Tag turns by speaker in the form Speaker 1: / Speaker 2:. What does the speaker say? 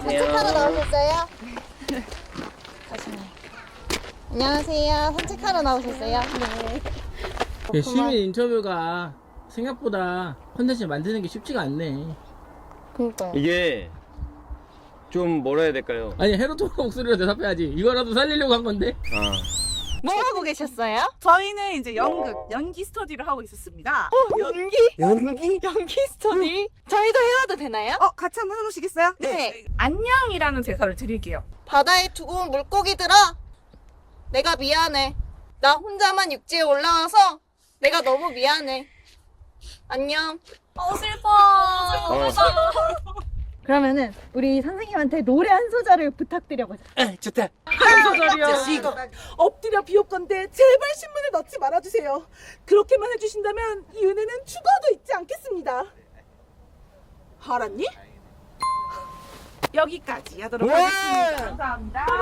Speaker 1: 산책하러 나오셨어요? 안녕하세요. 산책하러 나오셨어요? 네.
Speaker 2: 시민 인터뷰가 생각보다 컨텐츠 만드는 게 쉽지가 않네.
Speaker 1: 그니까요.
Speaker 3: 이게 좀 뭐라 해야 될까요?
Speaker 2: 아니 헤로토가 목소리로 대답해야지. 이거라도 살리려고 한 건데.
Speaker 1: 뭐 하고 계셨어요?
Speaker 4: 저희는 이제 연기 스터디를 하고 있었습니다.
Speaker 1: 연기? 연기 스터디? 저희도 해와도 되나요?
Speaker 4: 같이 한번 해보시겠어요?
Speaker 1: 네.
Speaker 4: 안녕이라는 대사를 드릴게요.
Speaker 1: 바다에 두고 온 물고기들아, 내가 미안해. 나 혼자만 육지에 올라와서 내가 너무 미안해. 안녕.
Speaker 4: 슬퍼.
Speaker 5: 그러면은 우리 선생님한테 노래 한 소절을 부탁드려보자.
Speaker 2: 좋다.
Speaker 4: 엎드려 비올 건데 제발 신문을 넣지 말아주세요. 그렇게만 해주신다면 이 은혜는 죽어도 잊지 않겠습니다. 알았니? 여기까지 하도록 하겠습니다. 감사합니다.